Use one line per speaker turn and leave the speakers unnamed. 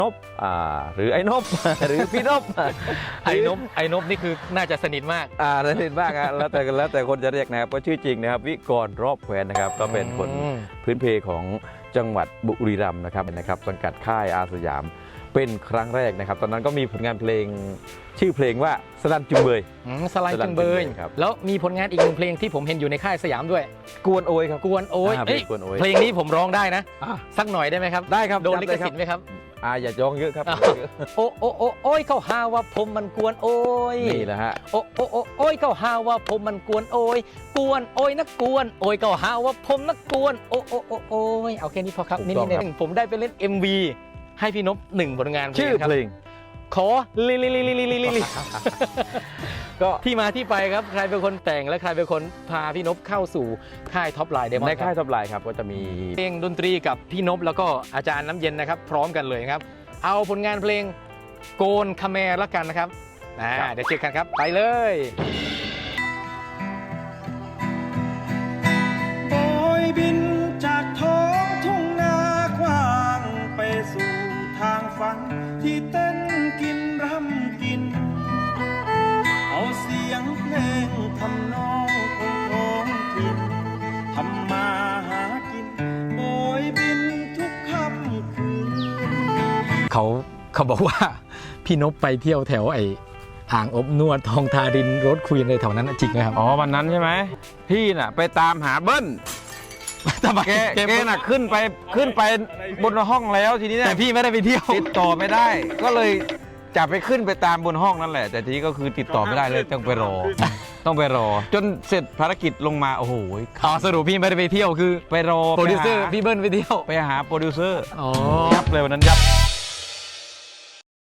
นบหรือไอ้นบ หรือพี่นบ
ไอ้นบนี่คือน่าจะสนิทมาก
สนิทมากแล้วแต่คนจะเรียกนะครับก็ชื่อจริงนะครับวิกรรอบแควนนะครับก็เป็นคนพื้นเพของจังหวัดบุรีรัมย์นะครับสังกัดค่ายอาสยามเป็นครั้งแรกนะครับตอนนั้นก็มีผลงานเพลงชื่อเพลงว่าสลันจุงเบย
สลันจุงเบยแล้วมีผลงานอีกหนึ่งเพลงที่ผมเห็นอยู่ในค่ายสยามด้วย
กวนโอยครับ
กวนโอยเพลงนี้ผมร้องได้นะสักหน่อยได้ไหมครับ
ได้ครับ
โดนลิขสิทธิ์ไหมครับ
อย่าจ้องเยอะครับ
โอ้ยเขาหาว่าผมมันกวนโอย
นี่แหละฮะ
โอ้ยเขาหาว่าผมมันกวนโอยกวนโอยนักกวนโอยเขาหาว่าผมนักกวนโอ้ยเอาแค่นี้พอครับนี่ผมได้ไปเล่น MV ให้พี่นพ1ผลงาน
ชื่อเพลง
ขอลิก็ที่มาที่ไปครับใครเป็นคนแต่งและใครเป็นคนพาพี่นพเข้าสู่ค่ายท็อปไลน์เดมอน
ในค่ายท็อปไลน์ครับก็จะมี
เพลงดนตรีกับพี่นพแล้วก็อาจารย์น้ำเย็นนะครับพร้อมกันเลยครับเอาผลงานเพลงโกนคาแมร์ละกันนะครับเดี๋ยวเจอกันครับไปเลย
โบยบินจากท้องทุ่งนากว้างไปสู่ทางฝันที่เต้นกินรำกินเอาเสียงเพลงทำนองของท้องถิ่นทำมาหากินโบยบินทุกค่ำคืน
เขาบอกว่าพี่นพไปเที่ยวแถวอ่างอบนวดทองทารินรถควีนในแถวนั้นจริงไหมครับ
วันนั้นใช่ไหมพี่น่ะไปตามหาเบิ้ลแกน่ะขึ้นไปบนห้องแล้วทีนี้
แต่พี่ไม่ได้ไปเที่ยว
ติดต่อไม่ได้ก็เลยจะไปขึ้นไปตามบนห้องนั่นแหละแต่ทีนี้ก็คือติดต่อไม่ได้เลยต้องไปรอจนเสร็จภารกิจลงมาโอ้โห
สรุปพี่ไม่ได้ไปเที่ยวคือ
ไปรอ
โปรดิวเซอร์พี่เบิ้ลไปเที่ยว
ไปหาโปรดิวเซอร์ยับเลยวันนั้นยับ